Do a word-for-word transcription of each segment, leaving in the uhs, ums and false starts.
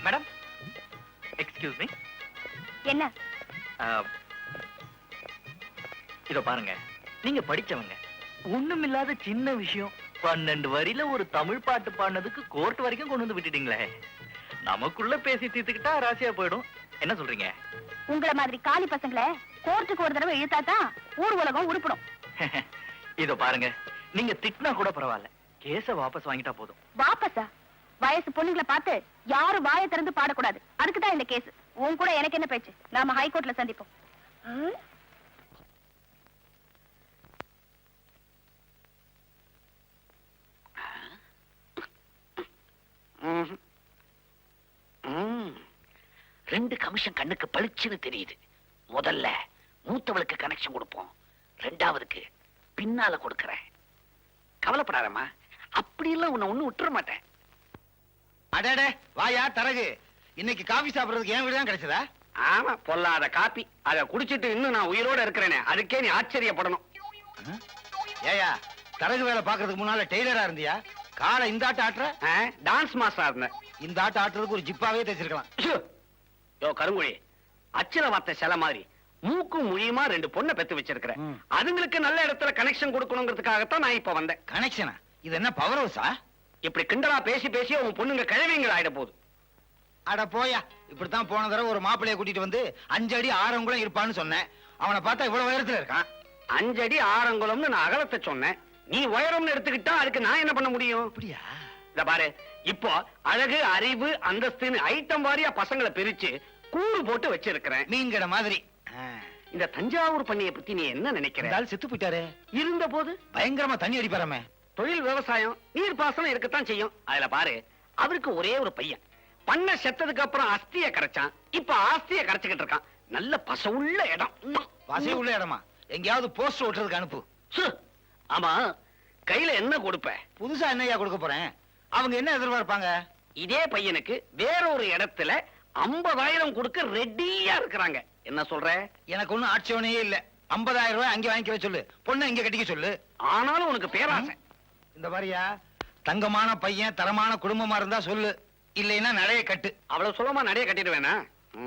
Madam, excuse me. என்ன? இதோ பாருங்க, நீங்க படிச்சவங்க. ஒண்ணுமில்லாத சின்ன விஷயம் பன்னெண்டு வரியில ஒரு தமிழ் பாட்டு பாடினதுக்கு கோர்ட் வரைக்கும் கொண்டு வந்து விட்டுட்டீங்களே. நமக்குள்ள பேசி தீர்த்துக்கிட்டா ராசியா போயிடும். என்ன சொல்றீங்க? உங்கள மாதிரி காலி பசங்களை கோர்ட்டுக்கு ஒரு தடவை இழுத்தாதான் ஊர் உலகம் உருப்படும். இதோ பாருங்க, நீங்க திட்டினா கூட பரவாயில்ல, கேஸ வாபஸ் வாங்கிட்டா போதும். வாபஸா? வயசு பொண்ணுங்களை பார்த்து யாரும் வாயை திறந்து பாடக்கூடாது. அதுக்குதான் இந்த கேஸ். உன் கூட எனக்கு என்ன பேச்சு? நாம ஹைகோர்ட்ல சந்திப்போம். ரெண்டு கமிஷன் கண்ணுக்கு பளிச்சுன்னு தெரியுது. முதல்ல மூத்தவளுக்கு கனெக்ஷன் கொடுப்போம், ரெண்டாவதுக்கு பின்னால கொடுக்கறேன். கவலைப்படாதம்மா, அப்படியெல்லாம் உன்னை ஒண்ணு விட்டுற மாட்டேன். அடடே வாயா தரகு, இன்னைக்கு காபி சாப்பிடுறதுக்கு என் வீடு தான் கிடைச்சதா? ஆமா, பொல்லாத காப்பி. அதை குடிச்சிட்டு இன்னும் நான் உயிரோட இருக்கிறேனே, அதுக்கே நீ ஆச்சரியப்படணும். ஏயா, தரகு வேலை பாக்குறதுக்கு முன்னால டெய்லரா இருந்தியா? காலை இந்த ஆட்ட ஆட்டுற? டான்ஸ் மாஸ்டரா இருந்தேன். இந்த ஆட்ட ஆட்டுறதுக்கு ஒரு ஜிப்பாவே தைச்சிருக்கலாம். யோ கருங்குழி, அச்சில வார்த்தை சில மாதிரி மூக்கும் மொழியுமா ரெண்டு பொண்ணை பெத்து வச்சிருக்கிறேன். அதுங்களுக்கு நல்ல இடத்துல கனெக்ஷன் கொடுக்கணுங்கிறதுக்காகத்தான் நான் இப்ப வந்தேன். கனெக்ஷனா? இது என்ன பவர் ஹவுஸா? இப்படி கிண்டலா பேசி பேசி உன் பொண்ணுங்க கிழவிங்கள் ஆயிட போகுது. அட போயா, இப்படித்தான் போன தடவை ஒரு மாப்பிள்ளைய கூட்டிட்டு வந்து அஞ்சு அடி ஆறங்குளம் இருப்பான்னு சொன்னேன். அவனை பார்த்தா இவ்வளவு உயரத்துல இருக்கான். அஞ்சடி ஆறங்குளம்னு நான் அகலத்தை சொன்னேன். நீ உயரம்னு எடுத்துக்கிட்டா அதுக்கு நான் என்ன பண்ண முடியும்? அப்படியா? இத பாரு, இப்போ அழகு, அறிவு, அந்தஸ்துன்னு ஐட்டம் வாரியா பசங்களை பிரிச்சு கூறு போட்டு வச்சிருக்கிறேன். மீன்கட மாதிரி. இந்த தஞ்சாவூர் பண்ணிய பத்தி நீ என்ன நினைக்கிற? செத்து போயிட்டாரு. இருந்த போது பயங்கரமா தண்ணி அடிப்பாரமே. தொழில் விவசாயம், நீர் பாசனம் இருக்கத்தான் செய்யும். அதுல பாரு, அவருக்கு ஒரே ஒரு பையன். பண்ண செத்ததுக்கு அப்புறம் அஸ்திய கரைச்சான். இப்ப ஆஸ்திய கரைச்சுக்கிட்டு இருக்கான். நல்ல பசவுள்ள இடம். பசை உள்ள இடமா? எங்கேயாவது போஸ்ட் ஓட்டுறதுக்கு அனுப்பு. ஆமா, கையில என்ன கொடுப்ப? புதுசா என்னையா கொடுக்க போறேன்? அவங்க என்ன எதிர்பார்ப்பாங்க? இதே பையனுக்கு வேற ஒரு இடத்துல ஐம்பதாயிரம் கொடுக்க ரெடியா இருக்கிறாங்க. என்ன சொல்ற? எனக்கு ஒண்ணும் ஆட்சேபனையே இல்ல. ஐம்பதாயிரம் ரூபாய் அங்கே வாங்கிக்க சொல்லு, பொண்ணு இங்க கட்டிக்க சொல்லு. ஆனாலும் உனக்கு பேராசை. இந்த மாதிரியா, தங்கமான பையன், தரமான குடும்பமா இருந்தா சொல்லு, இல்லைன்னா நடைய கட்டு. அவ்வளவு சுலமா நடைய கட்டிடுவேனா?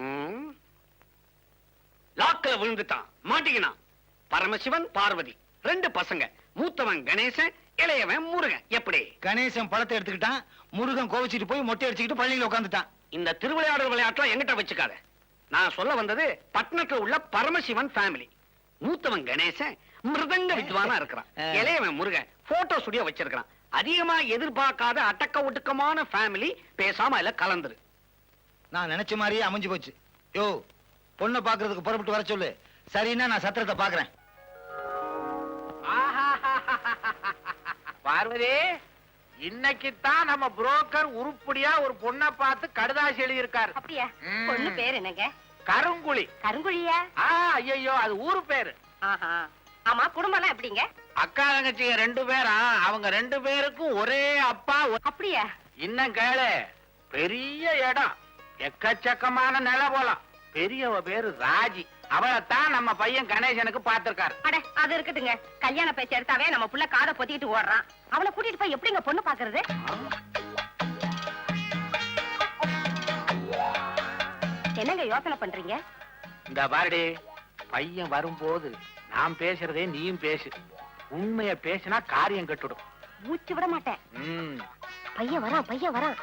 லாக்கல விழுந்துட்டான், மாட்டிக்கினான். பரமசிவன், பார்வதி ரெண்டு பசங்க. மூத்தவன் கணேசன், இளையவன் முருகன். எப்படி? கணேசன் பழத்தை எடுத்துக்கிட்டான், முருகன் கோவிச்சிட்டு போய் மொட்டை அடிச்சுக்கிட்டு பள்ளியில உட்காந்துட்டான். இந்த திருவிளையாடல் விளையாட்டுலாம் எங்கிட்ட வச்சுக்காத. நான் சொல்ல வந்தது பட்டணத்துல உள்ள பரமசிவன் ஃபேமிலி. மூத்தவன் கணேசன் மிருதங்க வித்வானா இருக்கிறான். இளையவன் முருகன் போட்டோ ஸ்டுடியோ வச்சிருக்கான். அதிகமா எதிர்பார்க்காத அடக்க ஒடுக்கமான ஃபேமிலி. பேசாம இல்ல கலந்துரு. நான் நினைச்ச மாதிரியே அமைஞ்சு போச்சு. யோ, பொண்ணை பாக்குறதுக்கு புறப்பட்டு வர சொல்லு. சரின்னா நான் சத்திரத்தை பாக்குறேன். பார்வதி, இன்னைக்குத்தான் நம்ம புரோக்கர் உருப்படியா ஒரு பொண்ணை பார்த்து கடுதாசி எழுதி இருக்காரு. அப்படியா? பொண்ணு பேர் என்னங்க? கருங்குழி. கருங்குழியா? ஐயோ, அது ஊரு பேரு. ஆமா, குடும்பம் எல்லாம் எப்படிங்க? அக்கா தங்கச்சிங்க ரெண்டு பேரா? அவங்க ரெண்டு பேருக்கும் ஒரே அப்பா. அப்படியா? இன்னும் கேளு, பெரிய இடம், எக்கச்சக்கமான நில போலாம். பெரியவ பேரு ராஜி. அவளைத்தான் நம்ம பையன் கணேசனுக்கு பாத்திருக்காரு. அட, அது இருக்கட்டுங்க. கல்யாண பேச்சு எடுத்தாவே நம்ம புள்ள காதை பொத்திட்டு ஓடுறான். அவளை கூட்டிட்டு போய் எப்படிங்க பொண்ணு பாக்குறது? என்னங்க யோசனை பண்றீங்க? இந்த பாருடி, பையன் வரும்போது நான் பேசுறதே நீயும் பேசு. உண்மைய பேசினா காரியம் கட்டுடும். மூச்சு விட மாட்டேன். பையன் வரான், பையன் வரான்.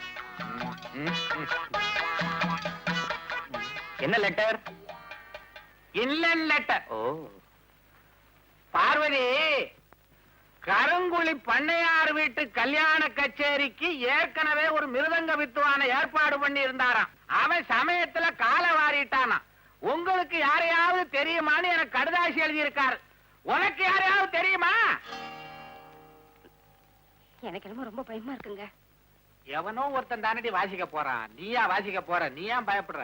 என்ன லெட்டர்? இல்ல லெட்டர். ஓ பார்வதி, கருங்குழி பண்ணையார் வீட்டு கல்யாண கச்சேரிக்கு ஏற்கனவே ஒரு மிருதங்க வித்துவான ஏற்பாடு பண்ணி இருந்தாராம். அவன் சமயத்துல கால வாரிட்டானா. உங்களுக்கு யாரையாவது தெரியுமான்னு எனக்கு கடுதாசி எழுதி இருக்காரு. உனக்கு யாரையாவது தெரியுமா? எனக்கு என்னமோ ரொம்ப பயமா இருக்குங்க. எவனோ ஒருத்தன் தானடி வாசிக்க போறான். நீயா வாசிக்க போற? நீ ஏன் பயப்படுற?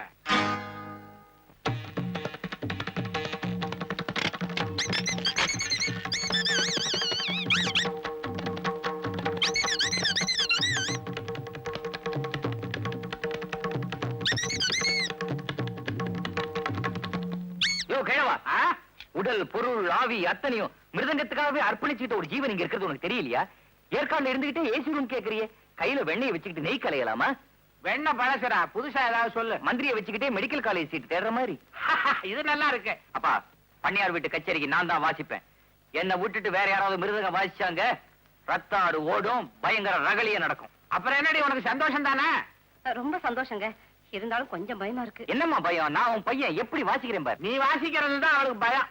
உடல், பொருள், ஆவி அத்தனையும் மிருதங்கத்துக்காகவே அர்ப்பணிச்சுட்டு ஒரு ஜீவன் இங்க இருக்கிறது உனக்கு தெரியலையா? ஏற்காடுல இருந்துகிட்டே ஏசி ரூம் கேக்குறியே. கையில வெண்ணெய் வச்சுக்கிட்டு நெய் கலையலாமா? வெண்ண பழசுடா புதுசா ஏதாவது சொல்லு. மந்திரியை வச்சுக்கிட்டே மெடிக்கல் காலேஜ் சீட் தேடுற மாதிரி. இது நல்லா இருக்கு. அப்பா, பண்ணையார் வீட்டு கச்சேரிக்கு நான் தான் வாசிப்பேன். என்னை விட்டுட்டு வேற யாராவது மிருதங்க வாசிச்சாங்க, ரத்த ஆடு ஓடும், பயங்கர ரகலிய நடக்கும். அப்புறம் என்னடி உனக்கு சந்தோஷம் தானே? ரொம்ப சந்தோஷங்க. இருந்தாலும் கொஞ்சம் பயமா இருக்கு. என்னம்மா பயம்? நான் உன் பையன் எப்படி வாசிக்கிறேன் பாரு. நீ வாசிக்கிறது தான் அவளுக்கு பயம்.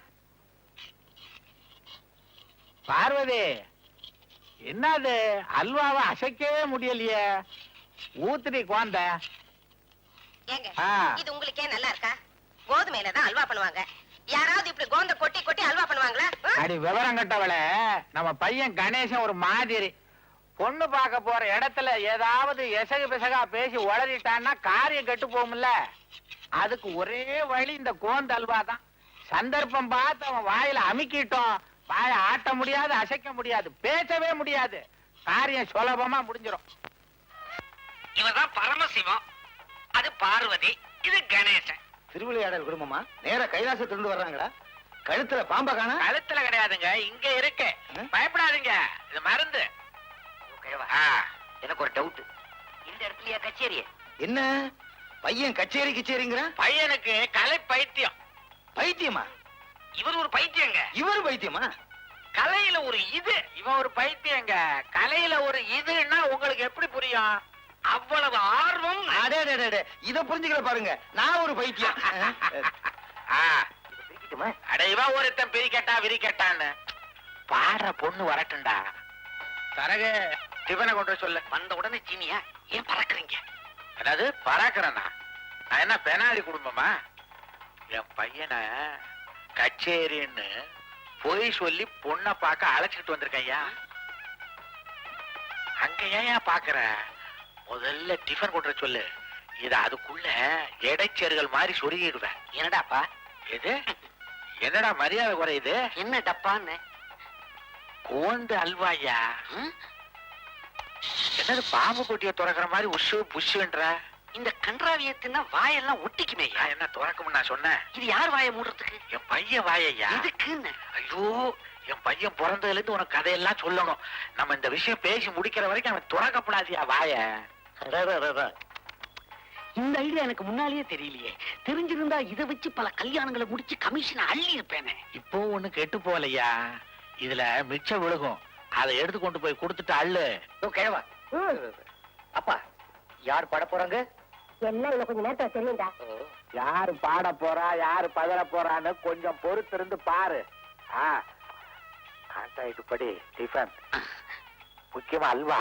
பார்வதி, என்னது அல்வாவை அசைக்கவே முடியலையே? ஊத்துடி குழந்த. ஏங்க ஆ. இது உங்களுக்கே நல்லா இருக்கா? கோதுமையில தான் அல்வா பண்ணுவாங்க. யாராவது இப்படி கோந்த கொட்டி கொட்டி அல்வா பண்ணுவாங்களா? ஆ? அடி விவரம் கட்டவள, நம்ம பையன் கணேசன் ஒரு மாதிரி. பொண்ணு பார்க்க போற இடத்துல ஏதாவது எசகு பிசகா பேசி உளறிட்டான்னா காரியம் கெட்டு போகும்ல. அதுக்கு ஒரே வழி இந்த கோந்த அல்வா தான். சந்தர்ப்பம் பார்த்து அவன் வாயில அமுக்கிட்டோம், வாயை ஆட்ட முடியாது, அசைக்க முடியாது, பேசவே முடியாது. காரியம் சுலபமா முடிஞ்சிடும். இவர்தான் பரமசிவம், அது பார்வதி, இது கணேசன். திருவிளையாடல் குடும்பமா? நேரா கைலாசத்திலிருந்து வர்றாங்களா? கழுத்துல பாம்ப காணா? கழுத்துல கிடையாதுங்க, இங்க இருக்கு. பயப்படாதீங்க, இது மருந்து. எனக்கு ஒரு டவுட். இந்த இடத்துலயா கச்சேரி? என்ன பையன் கச்சேரி கச்சேரிங்கிற? பையனுக்கு கலை பைத்தியம். பைத்தியமா? இவர் ஒரு பைத்தியங்க. இவர் பைத்தியமா? கலையில ஒரு இது, இவன் ஒரு பைத்தியங்க. கலையில ஒரு இதுன்னா உங்களுக்கு எப்படி புரியும்? அவ்வளவு ஆர்வம். அடே அடே, அடே, இத புரிஞ்சுக்கல பாருங்க. நான் ஒரு பைத்தியம். ஆ, அட இவன் ஒருத்தன் பிரிக்கட்டா விரிக்கட்டான்னு. பாடுற பொண்ணு வரட்டும்டா. தரகு டிஃபனை கொண்டு வர சொல்லு. வந்த உடனே சீனியா ஏன் பறக்குறீங்க? அதாவது பறாக்குறேன்னா நான் என்ன பெனாலி குடும்பமா? என் பையனை கச்சேரின்னு பொய் சொல்லி பொண்ணை பார்க்க அழைச்சிட்டு வந்திருக்கேன். ஐயா அங்க ஏன் பாக்குற? முதல்ல டிஃபன் கொண்டு வர சொல்லு. இத அதுக்குள்ள இடைச்சேறுகள் மாதிரி சொருகிடுவேன். என்னடாப்பா எது? என்னடா மரியாதை குறையுது? என்ன டப்பான்னு? கோந்து அல்வாயா? என்னது பாம்பு கொட்டிய துறக்கிற மாதிரி உஷு புஷுன்ற? இந்த கன்றாவியத்தின்னா வாயெல்லாம் ஒட்டிக்குமே. நான் என்ன துறக்கும்னு நான் சொன்னேன்? இது யார் வாயை மூடுறதுக்கு? என் பையன் வாயையா? எதுக்குன்னு? ஐயோ, என் பையன் பிறந்ததுல இருந்து உனக்கு கதையெல்லாம் சொல்லணும். நம்ம இந்த விஷயம் பேசி முடிக்கிற வரைக்கும் அவன் துறக்கப்படாதியா வாய. இந்த ஐடியா எனக்கு முன்னாலேயே தெரியலையே. தெரிஞ்சிருந்தா இதை வச்சு பல கல்யாணங்களை முடிச்சு கமிஷன் அள்ளி இருப்பேனே. இப்போ ஒண்ணு கெட்டு போகலையா? இதுல மிச்சம் விழுகும், அதை எடுத்து கொண்டு போய் கொடுத்துட்டு அள்ளு. கிழவா, அப்பா யார் பாட போறாங்க? எல்லாம் இன்னும் கொஞ்சம் நேரத்துல தெரியும்டா. யாரு பாட போறா, யாரு பதற போறான்னு கொஞ்சம் பொறுத்து இருந்து பாரு. கான்ட்ராக்ட் படி டிஃபன், முக்கியமா அல்வா.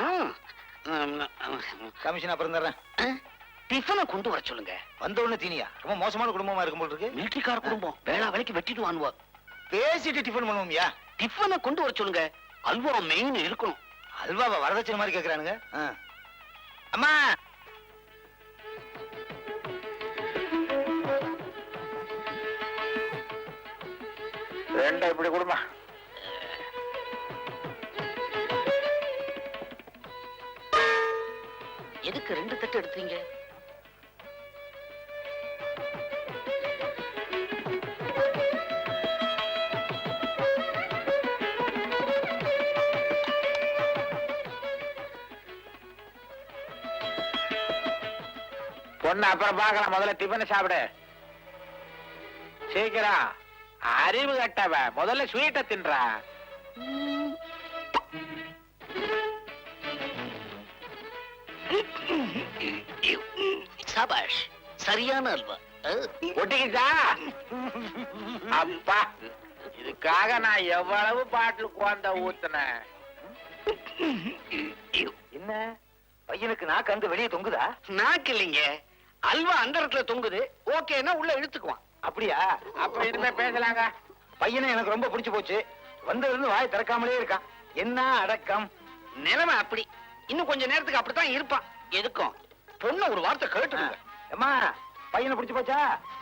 கமிஷன் அப்புறம் தர்றேன். டிஃபனை கொண்டு வர சொல்லுங்க. வந்த உடனே தீனியா? ரொம்ப மோசமான குடும்பமா இருக்கும் போல இருக்கு. மிலிட்டரிக்கார குடும்பம், வேளா வேலைக்கு வெட்டிட்டு வாங்குவா. பேசிட்டு டிஃபன் பண்ணுவோம்யா. டிஃபனை கொண்டு வர சொல்லுங்க. அல்வா மெயின் இருக்கணும். அல்வாவை வரதட்சணை மாதிரி கேக்குறானுங்க. ஆ. அம்மா, ரெண்டா இப்படி கொடுமா. எதுக்கு ரெண்டு தட்டு எடுத்தீங்க? பொண்ணு அப்புறம் பார்க்கலாம், முதல்ல டிஃபன் சாப்பிடு. சீக்கிரம். அறிவு கட்டவ, முதல்ல ஸ்வீட்டை தின்றா. சபாஷ், சரியான அல்வா. ஒட்டிக்கிச்சா? அப்பா, இதுக்காக நான் எவ்வளவு பாட்டில் குழந்த ஊத்துனேன். என்ன பையனுக்கு நாக்கு அங்க வெளியே தொங்குதா? நாக்கு இல்லைங்க, அல்வா அந்த இடத்துல தொங்குது. ஓகேன்னா உள்ள இழுத்துக்குவான். அப்படியா? அப்ப இனிமே பேசலாங்க. பையனை எனக்கு ரொம்ப பிடிச்சு போச்சு. வந்ததுல இருந்து வாய் திறக்காமலே இருக்கான். என்ன அடக்கம்! நிலைமை அப்படி. இன்னும் கொஞ்ச நேரத்துக்கு அப்படித்தான் இருப்பான். எதுக்கும் பொண்ணு ஒரு வார்த்தை கேட்டுடுங்க. அம்மா, பையனை பிடிச்சு போச்சா?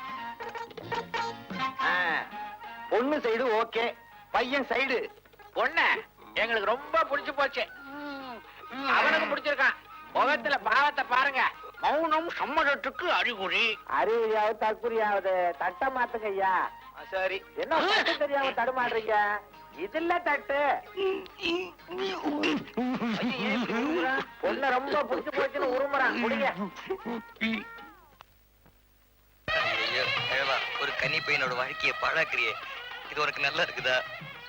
ஆ, பொண்ணு சைடு ஓகே, பையன் சைடு. பொண்ணு எங்களுக்கு ரொம்ப பிடிச்சு போச்சு. அவனுக்கு பிடிச்சிருக்கான். முகத்துல பாவத்தை பாருங்க. மௌனம் சம்மதத்துக்கு அறிகுறி. அறிவியாவது தற்குறியாவது தட்ட மாத்துங்க ஐயா. சரி, என்ன தட்டு தெரியாம தடுமாடுறீங்க? இதுல தட்டு பொண்ணு ரொம்ப புடிச்சு போச்சுன்னு உருமுறான் குடிங்க. ஐயோ, கிழவா, ஒரு கன்னி பையனோட வாழ்க்கையை பாழாக்குறியே. இது உனக்கு நல்லா இருக்குதா?